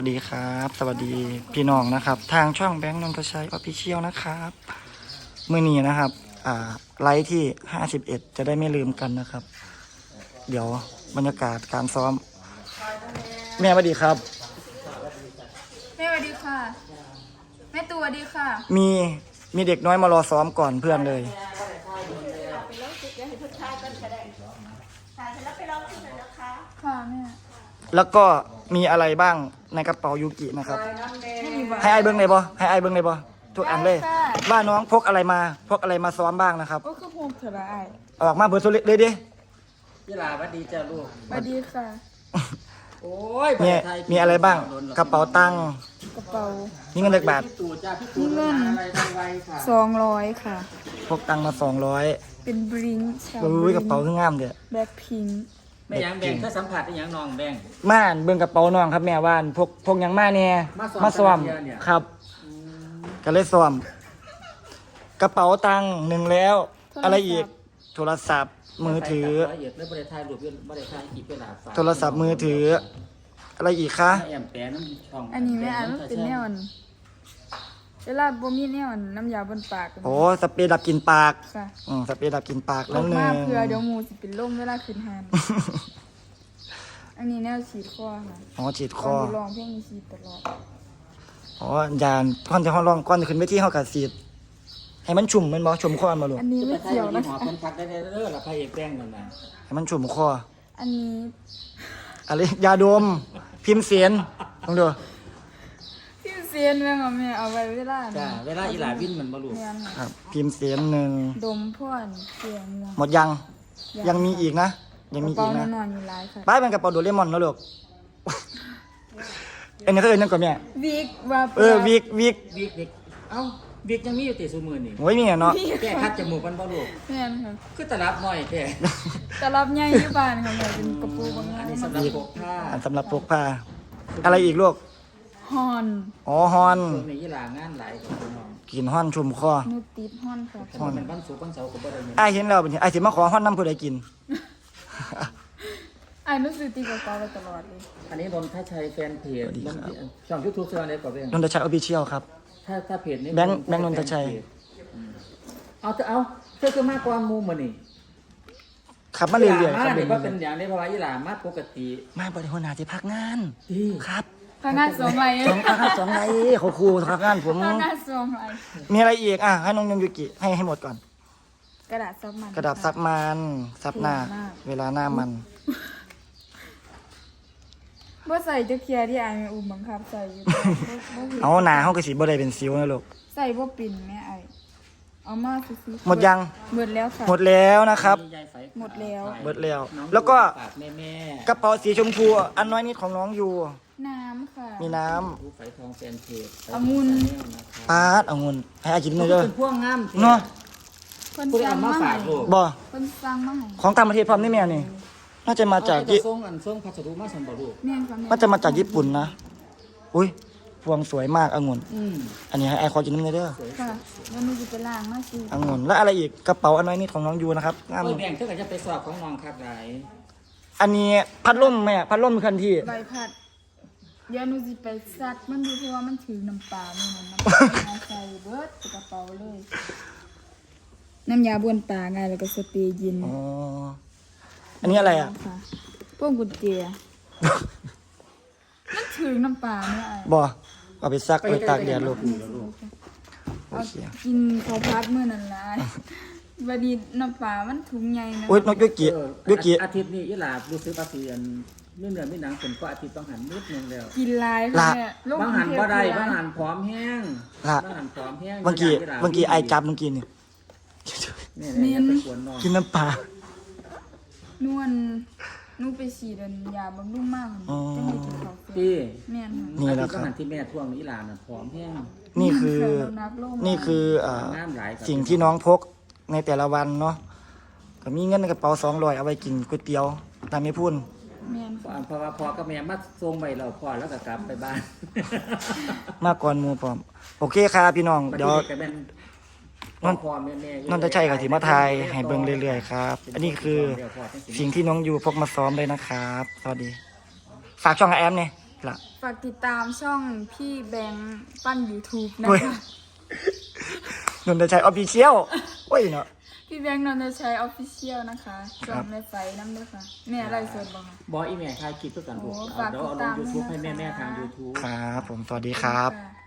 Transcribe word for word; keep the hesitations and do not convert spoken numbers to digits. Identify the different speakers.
Speaker 1: สวัสดีครับสวัสดีพี่น้องนะครับทางช่องแบงค์นนทชัยออฟฟิเชียลนะครับเมื่อนี้นะครับอ่าไลฟ์ที่ห้าสิบเอ็ดจะได้ไม่ลืมกันนะครับ เดี๋ยวบรรยากาศการซ้อมแม่สวัสดีครับ
Speaker 2: แม่สวัสดีค่ะแม่ตัวสวัสดีค่ะ
Speaker 1: มีมีเด็กน้อยมารอซ้อมก่อนเพื่อนเลย
Speaker 2: ค่ะแม่
Speaker 1: แล้วก็มีอะไรบ้างในกระเป๋ายูกินะครับให้ไอเบิ้งเลยบ่ให้ไอเบิ้งเลยบ่ทุกอันเลยว่าน้องพกอะไรมาพกอะไรมาซ้อมบ้างนะครับ
Speaker 2: ก็คือโฮมเถอะละไอ
Speaker 1: ออกมาเบอร์โซลิเลยดิ
Speaker 3: ยี่ลาวัดดีจ้าลูก
Speaker 2: สวัสดีค่ะ
Speaker 3: โอ้ย
Speaker 1: มีมีอะไรบ้างกระเป๋าตังค์
Speaker 2: กระเป๋า
Speaker 1: นี่เงินเล็กบาท
Speaker 3: พี่ตู่จ้าพี่ตู่เงินอะไรไวๆค่ะ
Speaker 2: สองร้อยค่ะ
Speaker 1: พกตังค์มาสองร้อย
Speaker 2: เป็นบริงชา
Speaker 1: อุ้ยกระเป๋าขึ้นงามเด้อ
Speaker 2: แบ็คพิงค์
Speaker 3: ไม่ยังแบ่งถ้าสัมผัสได้ยังน้องแบ่ง
Speaker 1: ม่านเบิ่งกระเป๋าน้องครับแม่ว่านพกพกหยังมาเนี่ย
Speaker 3: มาซ้อม
Speaker 1: ซ้อม
Speaker 3: แต่ละเดือนเนี่ย
Speaker 1: ครับก็เลยซ้อมกระเป๋าตังค์หนึ่งแล้ว อะไรอีกโทรศัพท์มือถือ
Speaker 3: ละเอียดไม่ได้ถ่ายรูปไม่ได้ถ่ายคลิปเวลาฝาก
Speaker 1: โทรศัพท์มือถือ อะไรอีกคะ
Speaker 3: แอมแปะน้ำช่อง
Speaker 2: อันนี้แม่อ่านมันเป็นแนวอันเวลาบ่มีแนวอันน้ำยาบนปาก
Speaker 1: โอ้สเปรย์ดับกลิ่นปาก
Speaker 2: ค่ะ
Speaker 1: อืมสเปรย์ดับกลิ่นปาก
Speaker 2: ล
Speaker 1: แล้ว
Speaker 2: ง
Speaker 1: หนึ่
Speaker 2: มาง เพื่อเดี๋ยวหมูสิเป็นลมเวลาขึ้นหานอันนี้แนวฉีดคอค่ะ
Speaker 1: อ๋อฉีดค
Speaker 2: ตอน
Speaker 1: อ
Speaker 2: ที่ร้องเพลงมีฉีดตลอด
Speaker 1: อ๋อยานก่อนจะห้องร้องก่อนจะขึ้นไปที่ห้องกัดสีดให้มันชุ่มแมันบ่ชุ่มคอมาลูก
Speaker 2: อันนี้
Speaker 3: จะไป
Speaker 2: ไม่
Speaker 3: ถ่าย
Speaker 2: เกี่ยว
Speaker 3: รู
Speaker 2: นะ
Speaker 3: ปหอ
Speaker 2: คะ
Speaker 3: คนพักได้เด้อละพระเอกแบ่งกันนะ
Speaker 1: ให้มันชุ่มคอ
Speaker 2: อันนี้
Speaker 1: อะไรยาดมพิมพ์เสียนลองดู
Speaker 2: พี่เซียนแม่งเอาแม่เอาไว้เวลา
Speaker 3: จ้าเวลาอีหลาวินมันมาลูก
Speaker 2: แม่น
Speaker 1: ค
Speaker 2: ค่ะ
Speaker 1: รับพิมพ์เสียนหนึ่ง
Speaker 2: ดมพ่อนเสียงเมือง
Speaker 1: หมดยังยังมีอีกนะ ยังมี
Speaker 2: กระ
Speaker 1: อี
Speaker 2: เป๋าก
Speaker 1: นะ
Speaker 2: นอนอยู่หลายค่ะ
Speaker 1: ป้ายเป็นกระเป๋าโดเรมอนแล้วลูกเอ็นนี่เขาเอ็นนั่นก่อนแม่
Speaker 2: วิกว่า
Speaker 1: เออวิกวิก
Speaker 3: วิกเด็กเอ้าวิกยังมีอยู่ติดสูมือนี่
Speaker 1: โอ้ยมีอ่ะเนาะ
Speaker 3: แก้คัดจมูกมันบ่ลูก
Speaker 2: แม่นค่ะ
Speaker 3: คือตลับหน่อยแค่
Speaker 2: แต่รับใหญ่อยู่บ้านค่ะแม่เป็นกระปูบางงา
Speaker 3: อัน
Speaker 2: น
Speaker 3: นี้สำหรับพกผ้า
Speaker 1: อันสำหรับพกพาอะไรอีกลูก
Speaker 2: ฮอน
Speaker 1: อ๋อฮอน
Speaker 3: ช่วงนี้ยี่ลางานหลายของน้อง
Speaker 1: กินฮอนชุ่มคอ
Speaker 2: นูติดฮอนค่ะ
Speaker 3: ถ้ามันเป็นบ้านสูงบ้านเสาก็บ่ได้เงิน
Speaker 1: ไอ้ายเห็นแล้วเป็นไอ้ายสิมาขอฮอนน้ำผู้ใดกิน
Speaker 2: ไอ้หนูซื้อตีกระเป๋าไว้ตลอดเลย
Speaker 3: อันนี้นนทชัยแฟนเพจ
Speaker 1: สวัสดีครับ
Speaker 3: ช่องยูทูบเชื่ออะไรก่อนเอง
Speaker 1: นนทชัยออฟฟิเชียลครับ
Speaker 3: ถ้าถ้าเพจนี้
Speaker 1: แบงค์แบงค์นนทชัย
Speaker 3: เอาเถอะเอาเธอคือมากกว่ามูมานี่
Speaker 1: ขับมาเรื่อยๆค
Speaker 3: มา
Speaker 1: รับ
Speaker 3: เด็กว่าเป็นอย่างนี้เพราะว่ายี่หลามาปกติ
Speaker 1: มาบริหารที่พักงาน
Speaker 3: ดี
Speaker 1: ครับ
Speaker 2: พนักงานสองไร
Speaker 1: สองพักงานสองไรเขาครูพักงานผม
Speaker 2: พนักงานสองไร
Speaker 1: มีอะไรอีกอ่ะให้น้องยงยุกิให้ให้หมดก่อน
Speaker 2: กระดาษซับมัน
Speaker 1: กระดาษซับมันซับหน้า เวลาหน้ามัน
Speaker 2: ว่าใส่จะเคลียร์ที่ไอ้แม่อุ้มบังคับใส่อยู่แต่บ่บ่เห็น
Speaker 1: เอาหนาเขากระสีบ่ได้เป็นซิวนะลูก
Speaker 2: ใส่บ่ปิ่นแม่ไอ้เอามาซื้อๆ
Speaker 1: หมดยัง
Speaker 2: หมดแล้วค่ะ
Speaker 1: หมดแล้วนะครับ
Speaker 3: มียายไฝ
Speaker 2: หมดแล้ว
Speaker 1: หมดแล้ว
Speaker 3: น้อง
Speaker 1: แล้วก็
Speaker 3: ฝากแม่แม่
Speaker 1: กระเป๋าสีชมพูอันน้อยนิดของน้องอยู่
Speaker 2: น้ำค่ะ
Speaker 1: มีน้
Speaker 3: ผู้ไฝทองแฟนเพจ
Speaker 2: องุ่น
Speaker 1: ำปาดเอาเงินให้อากิน
Speaker 3: นี่
Speaker 1: เลย
Speaker 3: เด้
Speaker 1: เด้
Speaker 3: อ
Speaker 1: อ
Speaker 3: พวกงาม
Speaker 1: เนาะ
Speaker 2: เพิ่น
Speaker 3: ผู้ได้
Speaker 2: สั่
Speaker 3: เอา
Speaker 2: ง
Speaker 3: มา
Speaker 2: มา
Speaker 3: ฝา
Speaker 2: ให้
Speaker 3: กลูก
Speaker 1: บ่
Speaker 2: เพิ่นสั่งมาให้
Speaker 1: ของต่างประเทศพร้อมนี่แม่นี่น่าจะมาจาก
Speaker 3: เอ
Speaker 1: ญี่
Speaker 3: จะส่งอันส่งพัสดุมาสันบ่ลูก
Speaker 2: แม่นค่ะแม่
Speaker 1: น่าจะมาจากญี่ปุ่นนะอุ้ยพวงสวยมากองุ่น
Speaker 3: อืม
Speaker 1: อันนี้ให้ไอคอกินน้ำเด้อ
Speaker 2: ค่ะแล้วหนูจะไปล้างมาสิ
Speaker 1: องุ่นแล้วอะไรอีกกระเป๋าอันน้อยนิดของน้องยูนะครับงาม
Speaker 3: เออแบ่งเท่ากับจะไปสอบของน้องครับหลาย
Speaker 1: อันนี้พัดลมแม่พัดลมเคลื่อนที่
Speaker 2: ใบพัดเดี๋ยวหนูสิไปซัดมันดูเพราะว่ามันถือน้ำปลานี่มันน้ำปลาเอาใส่เบิดใส่กระเป๋าเลย น้ำยาบ้วนปลาไงแล้วก็สเปรย์เย็น
Speaker 1: อ๋ออันนี้อะไรอ่ะ
Speaker 2: ค่ะพวกกุญแจมันถือน้ำปลาเนี่ยไอ้
Speaker 1: บ่เอาไปซักไปตากแดดลูกโอ
Speaker 2: เอา
Speaker 1: เค
Speaker 2: กินข้าวพัดมื้อนั้นล่ะบัดนี้น้ำปลามันถุงใหญ่นะ
Speaker 1: อุ้ยนกยุกิ
Speaker 3: เออ
Speaker 1: ยุกิ
Speaker 3: อาทิตย์นี้ยี่หลารู้สึกว่าสิอันเรื่องเดือนไม่หนังเป็นก็อาทิตย์ต้องหันนิดนึงแล้ว
Speaker 2: กินหลายค่ะแม่ลง
Speaker 3: บางหัน
Speaker 2: กรุงเทพ
Speaker 3: บ่ได้
Speaker 2: หลย
Speaker 3: บางหันพร้อมแห้ง
Speaker 1: ละ
Speaker 3: บางหันพร้อมแห้ง
Speaker 1: บางกีบางกีไอจับเมื่อกี้นี่
Speaker 3: เนี่ยเนี่ยไปกวนนอน
Speaker 1: กินน้ำปลาน
Speaker 2: วลหนูไปฉีดอันยาบำรุงมาก
Speaker 1: อ๋อ
Speaker 2: จะให้กินข้าวเสร็จ
Speaker 3: ที่
Speaker 2: แม่นค่ะ
Speaker 1: นี่แหละครับ
Speaker 3: อาทิตย์บางหันที่แม่ท่วงนี่หลานน่ะพร้อมแห้ง
Speaker 1: นี่คือ
Speaker 2: เรานับโลก
Speaker 1: นี่คืออ่า
Speaker 3: น้ำไหลกับ
Speaker 1: สิ่งที่น้องพกในแต่ละวันเนาะก็มีเงินในกระเป๋าสองร้อยเอาไว้กินก๋วยเตี๋ยวตามไม่พูด
Speaker 2: แม่นค่ะ
Speaker 3: เพราะว่าพ่อกับแม่มาส่งไปเราพ่อแล้วก็กลับไปบ้าน
Speaker 1: มากก่อนหมูพร้อมโอเคครับพี่น้องเดี๋ยว
Speaker 3: ก็เป็น
Speaker 1: นน
Speaker 3: พ่อแม่แม่
Speaker 1: นนทชัยกับสิมาทายให้เบิ่งเรื่อยๆครับ อันนี้คือสิ่งที่น้องยูพกมาซ้อมเลยนะครับสวัสดี ฝากช่องกับแอมเนี่ยละ
Speaker 2: ฝากติดตามช่องพี่แบงค์ปั้น YouTube นะ
Speaker 1: เว้ย
Speaker 2: คะ
Speaker 1: นนทชัยออฟฟิเชียลโอ้ยเนาะ
Speaker 2: พี่แบงค์นนทชัยออฟฟิเชียลนะคะส่งในไฟน้ำด้วยค่ะแม่อะไรสดบ้าง
Speaker 3: บออีแม่ถ่ายคลิปเพื่อกันลูก
Speaker 2: โอ้
Speaker 3: เอา
Speaker 2: ฝาก
Speaker 3: เดี๋ยว
Speaker 2: ติด
Speaker 3: เอาล
Speaker 2: ตาง ม
Speaker 3: ยูทูบ
Speaker 2: ด้วย
Speaker 3: ให้
Speaker 2: นะคะ
Speaker 3: แม่แม่ๆทาง YouTube
Speaker 1: ครับผมสวัสดีครับ
Speaker 2: ค่ะ